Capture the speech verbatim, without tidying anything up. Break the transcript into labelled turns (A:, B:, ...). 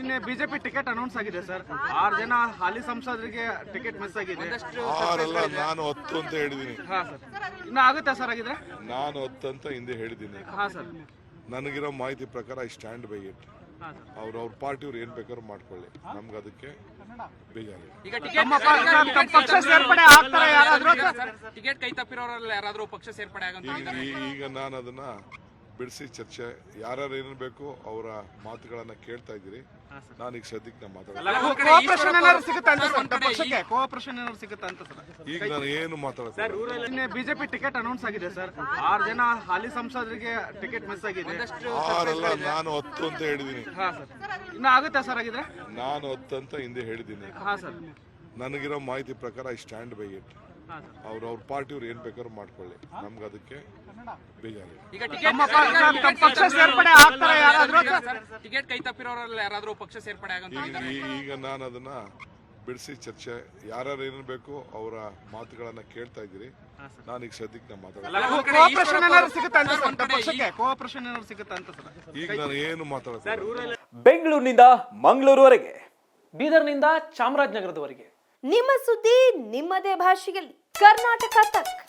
A: ನಿನ್ನೆ BJP ticket announce ಆಗಿದೆ sir. ಆರು ಜನ ಹಾಲಿ ಸಂಸದರಿಗೆ ಟಿಕೆಟ್ ಮಿಸ್ ಆಗಿದೆ.
B: ಆರಲ್ಲ, ನಾನು ಹತ್ತು ಅಂತ ಹೇಳಿದೀನಿ.
A: ಹಾ ಸರ್, ಇನ್ನು ಆಗುತ್ತಾ ಸರ್ ಆಗಿದ್ರೆ?
B: ನಾನು ಹತ್ತು ಅಂತ ಹಿಂದೆ ಹೇಳಿದ್ದೀನಿ.
A: ಹಾ ಸರ್,
B: ನನಗಿರೋ ಮಾಹಿತಿ ಪ್ರಕಾರ ಐ ಸ್ಟ್ಯಾಂಡ್ ಬೈ ಇಟ್.
A: ಹಾ ಸರ್.
B: ಅವ್ರ ಅವ್ರ ಪಾರ್ಟಿಯವ್ರು ಏನ್ ಬೇಕಾದ್ರೂ ಮಾಡ್ಕೊಳ್ಳಿ, ನಮ್ಗೆ ಅದಕ್ಕೆ ಬೇಜಾರಿಲ್ಲ.
C: ಈಗ
A: ತಮ್ಮ ಪ- ಪಕ್ಷ ಸೇರ್ಪಡೆ ಆಗ್ತಾರೆ ಯಾರಾದ್ರೂ?
C: ಟಿಕೆಟ್ ಕೈ ತಪ್ಪಿರೋರೆಲ್ಲ ಯಾರಾದ್ರೂ ಪಕ್ಷ ಸೇರ್ಪಡೆ ಆಗಂತ
B: ಈಗ ಈ- ಈಗ ನಾನು ಅದನ್ನ ಬಿಡಿಸಿ ಚರ್ಚೆ ಯಾರ್ಯಾರು ಏನೇನು ಬೇಕು ಅವರ ಮಾತುಗಳನ್ನ ಕೇಳ್ತಾ ಇದ್ದೀರಿ. ನಾನು ಈಗ ಸದ್ಯಕ್ಕೆ ನಾನು ಮಾತಾಡಲ್ಲ.
A: ಕೋಆಪರೇಷನ್ ಏನಾದ್ರು ಸಿಗುತ್ತಾ ಅಂತ ಸರ್ ಪಕ್ಷಕ್ಕೆ? ಕೋಆಪರೇಷನ್ ಏನಾದ್ರು ಸಿಗುತ್ತಾ ಅಂತ ಸರ್?
B: ಈಗ ನಾನು ಏನು ಮಾತಾಡ್ತೀನಿ.
A: ನಿನ್ನೆ ಬಿಜೆಪಿ ಟಿಕೆಟ್ ಅನೌನ್ಸ್ ಆಗಿದೆ ಸರ್. ಆರು ಜನ ಹಾಲಿ ಸಂಸದರಿಗೆ ಟಿಕೆಟ್ ಮಿಸ್ ಆಗಿದೆ.
B: ಆರಲ್ಲ, ನಾನು ಹತ್ತು ಅಂತ ಹೇಳಿದೀನಿ.
A: ಹಾ ಸರ್, ಇನ್ನು ಆಗುತ್ತಾ ಸರ್ ಆಗಿದ್ರೆ?
B: ನಾನು ಹತ್ತು ಅಂತ ಹಿಂದೆ ಹೇಳಿದ್ದೀನಿ.
A: ಹಾ ಸರ್.
B: ನನಗಿರೋ ಮಾಹಿತಿ ಪ್ರಕಾರ ಐ ಸ್ಟ್ಯಾಂಡ್ ಬೈ ಇಟ್.
A: ಹಾ ಸರ್.
B: ಅವ್ರ ಅವ್ರ ಪಾರ್ಟಿಯವ್ರು ಏನ್ ಬೇಕಾದ್ರೂ ಮಾಡ್ಕೊಳ್ಳಿ, ನಮ್ಗೆ ಅದಕ್ಕೆ ಬೇಜಾರಿಲ್ಲ.
C: ಈಗ
A: ತಮ್ಮ ಪ- ಪಕ್ಷ ಸೇರ್ಪಡೆ ಆಗ್ತಾರೆ ಯಾರಾದ್ರೂ?
C: ಟಿಕೆಟ್ ಕೈ ತಪ್ಪಿರೋರೆಲ್ಲ ಯಾರಾದ್ರೂ ಪಕ್ಷ ಸೇರ್ಪಡೆ ಆಗಂತ
B: ಈಗ ಈ- ಈಗ ನಾನು ಅದನ್ನ ಬಿಡಿಸಿ ಚರ್ಚೆ ಯಾರ್ಯಾರು ಏನೇನು ಬೇಕು ಅವರ ಮಾತುಗಳನ್ನ ಕೇಳ್ತಾ ಇದ್ದೀರಿ. ನಾನು ಈಗ ಸದ್ಯಕ್ಕೆ ನಾನು ಮಾತಾಡಲ್ಲ.
A: ಕೋಆಪರೇಷನ್ ಏನಾದ್ರು ಸಿಗುತ್ತಾ ಅಂತ ಸರ್ ಪಕ್ಷಕ್ಕೆ? ಕೋಆಪರೇಷನ್ ಏನಾದ್ರು ಸಿಗುತ್ತಾ ಅಂತ ಸರ್?
B: ಈಗ ನಾನು ಏನು ಮಾತಾಡ್ತೀನಿ.
D: ಬೆಂಗಳೂರಿನಿಂದ ಮಂಗಳೂರುವರೆಗೆ, ಬೀದರ್ನಿಂದ ಚಾಮರಾಜನಗರದವರೆಗೆ
E: ನಿಮ್ಮ ಸುದ್ದಿ ನಿಮ್ಮದೇ ಭಾಷೆಯಲ್ಲಿ ಕರ್ನಾಟಕ ತಕ್.